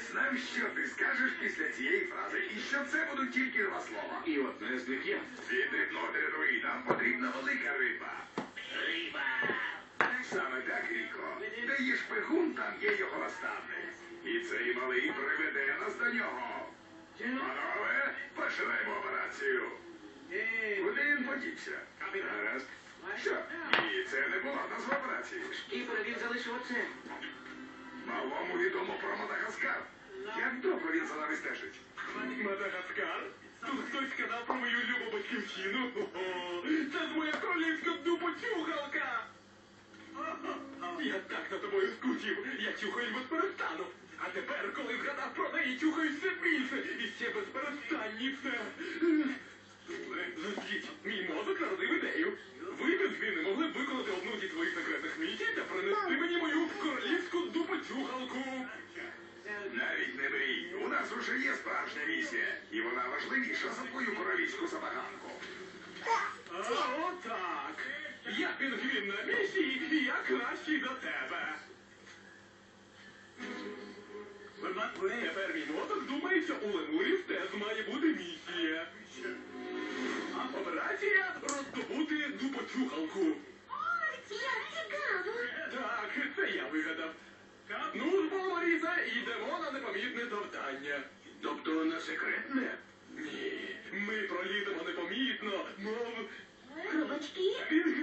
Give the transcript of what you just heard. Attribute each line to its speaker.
Speaker 1: Нам що ти скажеш після цієї фрази? І що це будуть тільки два слова.
Speaker 2: І одне з них я.
Speaker 1: Від рибного нам потрібна велика риба.
Speaker 3: Риба!
Speaker 1: Саме так, Ріко. Де є шпигун, там є його наставник. І цей малий приведе нас до нього. Панове, починаємо операцію. Куди він подівся? Гаразд. Що? Ні, це не була назва операції.
Speaker 3: Шкіпер, він залишив оце.
Speaker 1: Малому відомо про Мадагаскар. Як довго він за нами стежить?
Speaker 2: Мадагаскар? Тут хтось сказав про мою любу батьківщину. О, це ж моя королівська дупочухалка! Я так за тобою скучив, я чухаю без перестану. А тепер, коли згадав про неї, чухаю все більше і ще без перестанніше. Зазвіть, мій мозок народив ідею. Ви без зміни могли б виконати одну зі своїх секретних місій та принести мені мою королівську дупочухалку.
Speaker 1: Навіть не мрій. У нас уже є справжня місія. І вона важливіша за твою королівську забаганку.
Speaker 2: Отак. Я пінгвін на місії, і я кращий за тебе. Тепер мій мозок думає, що у лемурів теж має бути місія. Операція роздобути дупочухалку.
Speaker 4: Ой, як цікаво.
Speaker 2: Так, це я вигадав. Ну ж, бо, Маріса, йдемо на непомітне завдання.
Speaker 1: Тобто на секретне?
Speaker 2: Ні, ми проліземо непомітно, мов
Speaker 4: Хробачки?
Speaker 2: пінгвін.